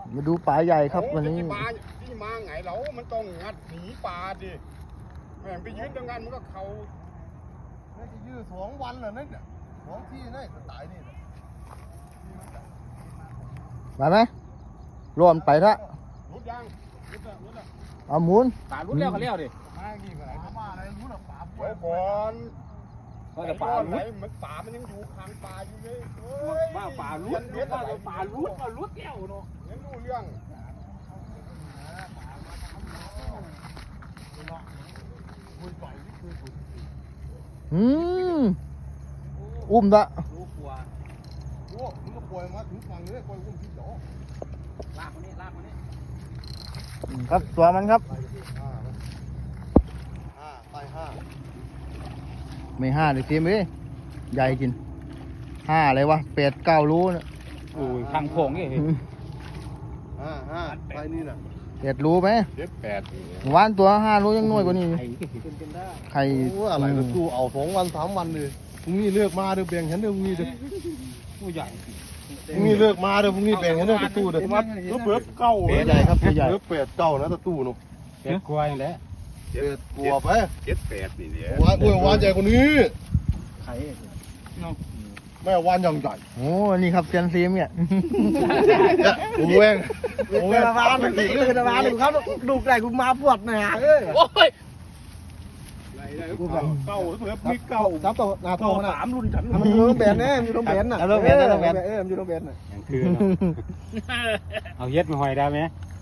มาดูปลาใหญ่ครับวันนี้ที่มาไงเรามันต้องงัดหนีปลาดิแม่งไปยืนตรงนั้นมันก็เขาน่าจะยืด2 วันแล้วนั่นน่ะ2 ที่นั่นสไตล์นี่ไปไหมรวมไปละรุดยังรุดละเอาหมุนปลาลุ้นแล้วก็เลี้ยวดิมาอย่างนี้ก็ไหนมาอะไรรู้หรอป่าไว้ก่อนก็จะปลาไหนลุ้นมันป่ามันยังอยู่ข้างป่าอยู่เลยว่าปลาลุ้นว่าปลาลุ้นว่าลุ้นแล้วเนาะยังรู้เรื่องอืมอุ้มละรู้กลัวโอ้มึงก็ปล่อยมาถึงฝั่งนี้ปล่อยอุ้มที่จ่อลากคนนี้ลากคนนี้ครับตัวมันครับไปห้าไม่ห้าเลยทีมเอ้ยใหญ่กิน5อะไรวะ8-9รูนะโอ้ยทางโพงนี่ห้าไปนี่น่ะ 8รูไหม 7-8 วานตัว5รูยังน้อยกว่านี้ไข่เป็นได้ไข่โอ้อะไรก็ตู้เอา2 วัน 3 วันเลยพรุ่งนี้เลือกมาเด้อแบ่งฉันเด้อพรุ่งนี้เด้อผู้ใหญ่พรุ่งนี้เลือกมาเด้อพรุ่งนี้แบ่งฉันเด้อตู้เด้อเพิ่มเก้าตัวใหญ่ครับตัวใหญ่เลือก8-9นะตู้เนาะเป็ดกลัวอย่างแล้วกลัวไป 7-8นี่เดี๋ยววานโอ้ยวานใหญ่กว่านี้ไข่แม่วานยังใหญ่โอ้นี่ครับเซียนซีมเนี่ยโอ้แวงโอ้แวงวานมันสิคือวานครับดูไก่กูมาปวดหนาเอ้ยโอ้ยเก้าเพิ่มมีเก้าจับตัวหน้าท้ต่อองมันน่ะ 3รุ่นฉันมันอยู่ตรงแบนแน่มันอยู่ตรงแบนน่ะเอาตรงแบนเอาตรงแบนมันอยู่ตรงแบนน่ะยังคือเอาเย็ดมาหอยได้ไหม